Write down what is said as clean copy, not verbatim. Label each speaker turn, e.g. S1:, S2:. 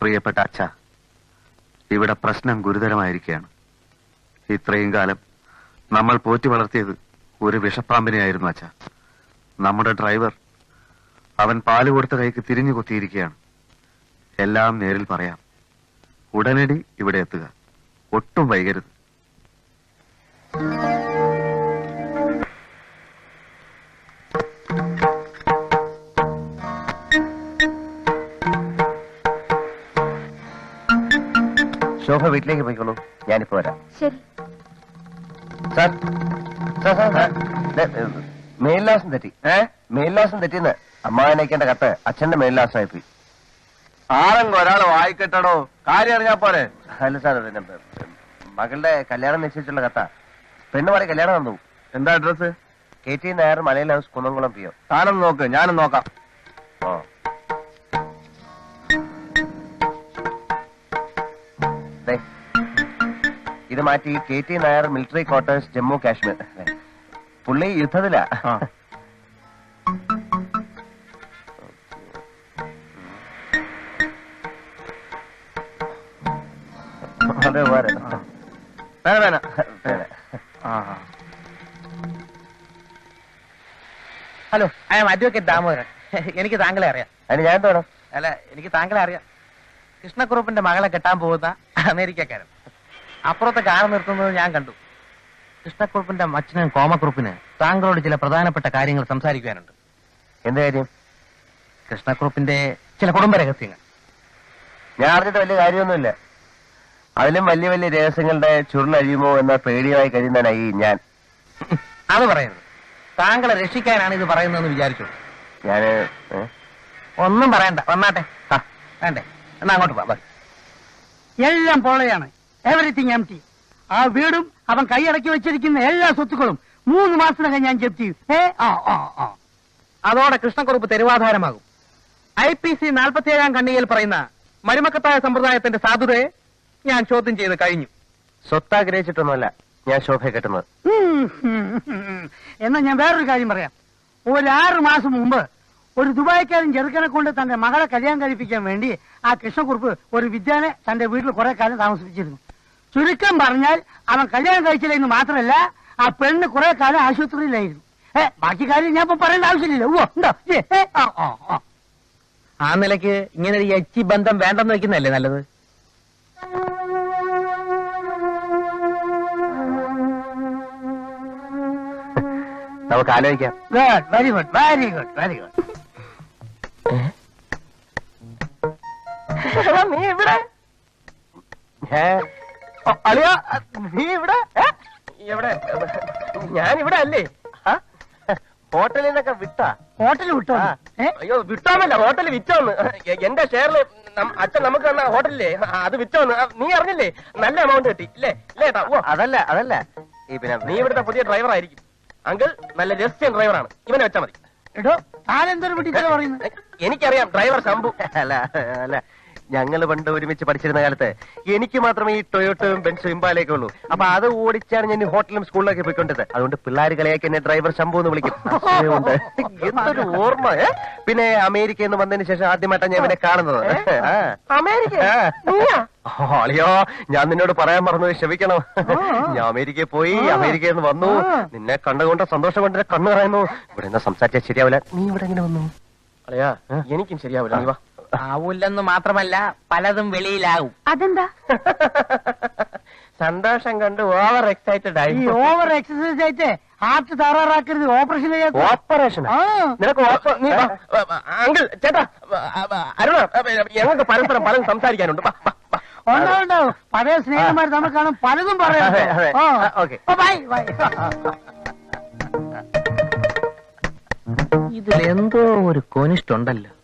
S1: പ്രിയപ്പെട്ട അച്ഛ, ഇവിടെ പ്രശ്നം ഗുരുതരമായിരിക്കുകയാണ്. ഇത്രയും കാലം നമ്മൾ പോറ്റി വളർത്തിയത് ഒരു വിഷപ്പാമ്പിനെയായിരുന്നു അച്ഛ. നമ്മുടെ ഡ്രൈവർ അവൻ പാല് കൊടുത്ത കൈക്ക് തിരിഞ്ഞു കൊത്തിയിരിക്കുകയാണ്. എല്ലാം നേരിൽ പറയാം. ഉടനടി ഇവിടെ എത്തുക, ഒട്ടും വൈകരുത്.
S2: ശോഭ വീട്ടിലേക്ക് പോയിക്കോളൂ, ഞാനിപ്പോ വരാം.
S3: ശരി
S2: സാർ, മേൽലാസം തെറ്റി. മേൽലാസം തെറ്റിന്ന് അമ്മാവനയക്കേണ്ട കത്ത് അച്ഛന്റെ മേൽലാസമായി പോയി.
S4: ആരെങ്കിലും ഒരാൾ വായിക്കട്ടോ, കാര്യം അറിഞ്ഞാ പോരെ.
S2: അല്ല സാർ, പിന്നെ മകളുടെ കല്യാണം നിശ്ചയിച്ചുള്ള കത്ത. പെണ്ണുപാടി കല്യാണം വന്നു.
S4: എന്താ അഡ്രസ്?
S2: KT നായർ, മലയിൽ ഹൗസ്, കുന്നംകുളം PO.
S4: താനും നോക്ക്, ഞാനും നോക്കാം.
S2: ഓ, ഇത് മാറ്റി KT Nair, military quarters, Jammu Kashmir. പുള്ളി യുദ്ധത്തിലാ. അതെ,
S5: hello, I am advocate Damodaran. എനിക്ക് താങ്കളെ അറിയാം.
S2: അതിന് ഞാൻ വേണം.
S5: അല്ല, എനിക്ക് താങ്കളെ അറിയാം. കൃഷ്ണക്കുറുപ്പിന്റെ മകളെ കെട്ടാൻ പോകുന്ന അമേരിക്കക്കാരൻ. അപ്പുറത്തെ കാർ നിർത്തുന്നത് ഞാൻ കണ്ടു. കൃഷ്ണക്കുറുപ്പിന്റെ അച്ഛനും കോമക്കുറുപ്പിന് താങ്കളോട് ചില പ്രധാനപ്പെട്ട കാര്യങ്ങൾ സംസാരിക്കുവാനുണ്ട്.
S2: എന്ത് കാര്യം?
S5: കൃഷ്ണക്കുറുപ്പിന്റെ ചില കുടുംബ രഹസ്യങ്ങൾ.
S2: ഞാൻ അറിഞ്ഞിട്ട് വലിയ കാര്യമൊന്നുമില്ല. അതിലും വലിയ വലിയ രഹസ്യങ്ങളുടെ ചുരുളഴിയുമോ എന്ന പേടിയായി കഴിയുന്നതിനായി ഞാൻ.
S5: അത് പറയരുത്. താങ്കളെ രക്ഷിക്കാനാണ് ഇത് പറയുന്നതെന്ന് വിചാരിച്ചു.
S2: ഞാന്
S5: ഒന്നും പറയണ്ട, വന്നാട്ടെ. വേണ്ടേ? എന്നാ അങ്ങോട്ട് പോവാം.
S6: എല്ലാം പോളയാണ്. Everything empty. ആ വീടും അവൻ കൈയടക്കി വെച്ചിരിക്കുന്ന എല്ലാ സ്വത്തുക്കളും 3 മാസത്തിനകം ഞാൻ ജപ്തി ചെയ്യും.
S5: അതോടെ കൃഷ്ണക്കുറുപ്പ് തെരുവാധാരമാകും. IPC 47 ഖണ്ഡികയിൽ പറയുന്ന മരുമക്കത്തായ സമ്പ്രദായത്തിന്റെ സാധുതയെ ഞാൻ ചോദ്യം ചെയ്ത് കഴിഞ്ഞു.
S2: സ്വത്താഗ്രഹിച്ചിട്ടൊന്നുമല്ല ഞാൻ ശോഭയെ കെട്ടുന്നത്.
S6: എന്നാ ഞാൻ വേറൊരു കാര്യം പറയാം. ഒരു 6 മാസം മുമ്പ് ഒരു ദുബായ്ക്കാരൻ ചെറുക്കനെ കൊണ്ട് തന്റെ മകളെ കല്യാണം കഴിപ്പിക്കാൻ വേണ്ടി ആ കൃഷ്ണക്കുറുപ്പ് ഒരു വിദ്യാനെ തന്റെ വീട്ടിൽ കുറെ കാലം താമസിപ്പിച്ചിരുന്നു. ചുരുക്കം പറഞ്ഞാൽ അവൻ കല്യാണം കഴിച്ചില്ല എന്ന് മാത്രമല്ല, ആ പെണ്ണ് കുറെ കാലം ആശുപത്രിയിലായിരുന്നു. ബാക്കി കാര്യം ഞാൻ ഇപ്പൊ പറയേണ്ട ആവശ്യമില്ല. ഉണ്ടോ?
S5: ആ നിലയ്ക്ക് ഇങ്ങനെ ഒരു യച്ചി ബന്ധം വേണ്ടെന്ന് വെക്കുന്നതല്ലേ നല്ലത്?
S2: നമുക്ക് ആലോചിക്കാം.
S6: Good, very good, very good, very good.
S5: നീ ഇവിടെ?
S2: അളിയ, നീ ഇവിടെ?
S5: എവിടെ? ഞാനിവിടെ അല്ലേ?
S2: ഹോട്ടലിൽ നിന്നൊക്കെ വിട്ടാ?
S6: ഹോട്ടൽ വിട്ടോ?
S5: അയ്യോ, വിട്ടോന്നല്ല, ഹോട്ടൽ വിറ്റോന്ന്. എന്റെ ഷെയറില് അച്ഛൻ നമുക്ക് തന്ന ഹോട്ടലില്ലേ, അത് വിറ്റോന്ന്. നീ അറിഞ്ഞില്ലേ? നല്ല എമൗണ്ട് കിട്ടി ഇല്ലേ? ഇല്ലേട്ടാ?
S2: അതല്ല ഈ പിന്നെ
S5: നീ ഇവിടുത്തെ പുതിയ ഡ്രൈവർ ആയിരിക്കും. അങ്കിൾ നല്ല രഹസ്യം ഡ്രൈവറാണ്. ഇവനെ വെച്ചാ മതി.
S6: എടോ, താനെന്തൊരു പിടിച്ചാ പറയുന്നത്?
S5: എനിക്കറിയാം, ഡ്രൈവർ ശംഭു.
S2: അല്ല ഞങ്ങൾ പണ്ട് ഒരുമിച്ച് പഠിച്ചിരുന്ന കാലത്ത് എനിക്ക് മാത്രമേ ഈ ടൊയോട്ടയും ബെൻസും ഇമ്പാലയൊക്കെ ഉള്ളൂ. അപ്പൊ അത് ഓടിച്ചാണ് ഞാൻ ഹോട്ടലും സ്കൂളിലൊക്കെ പോയിക്കൊണ്ടത്. അതുകൊണ്ട് പിള്ളേർ കളിയാക്കി എന്നെ ഡ്രൈവർ ശംഭു എന്ന് വിളിക്കും. എന്തൊരു ഓർമ്മ. പിന്നെ അമേരിക്കയിൽ നിന്ന് വന്നതിന് ശേഷം ആദ്യമായിട്ടാണ് ഞാൻ ഇവനെ കാണുന്നത്. അളിയോ, ഞാൻ നിന്നോട് പറയാൻ മറന്നു, ക്ഷമിക്കണം. ഞാൻ അമേരിക്കയിൽ പോയി, അമേരിക്കയിൽ നിന്ന് വന്നു. നിന്നെ കണ്ടുകൊണ്ട് സന്തോഷം കൊണ്ട് കണ്ണു പറയുന്നു. ഇവിടെ നിന്ന് സംസാരിച്ചാൽ ശരിയാവില്ല. നീ ഇവിടെ എങ്ങനെ വന്നു?
S5: അളിയാ, എനിക്കും ശരിയാവില്ല. നീ വാ. ആവൂല്ലെന്ന് മാത്രമല്ല, പലതും വെളിയിലാവും.
S3: അതെന്താ?
S5: സന്തോഷം കണ്ട് ഓവർ എക്സൈറ്റഡ് ആയി.
S6: ഈ ഓവർ എക്സസൈസ് ആയിട്ട് ഹാർട്ട് തകരാറാക്കരുത്. Operation
S2: operation?
S5: നിനക്ക് അങ്കിൾ, ചേട്ടാ, അരുണ, ഞങ്ങൾക്ക് പരസ്പരം പലതും സംസാരിക്കാനുണ്ട്.
S6: ഉണ്ടാവും. പഴയ സ്നേഹന്മാർ തമ്മിൽ കാണും, പലതും പറയാം.
S5: ഇതിലെന്തോ ഒരു കൊനിഷ്ടുണ്ടല്ലോ.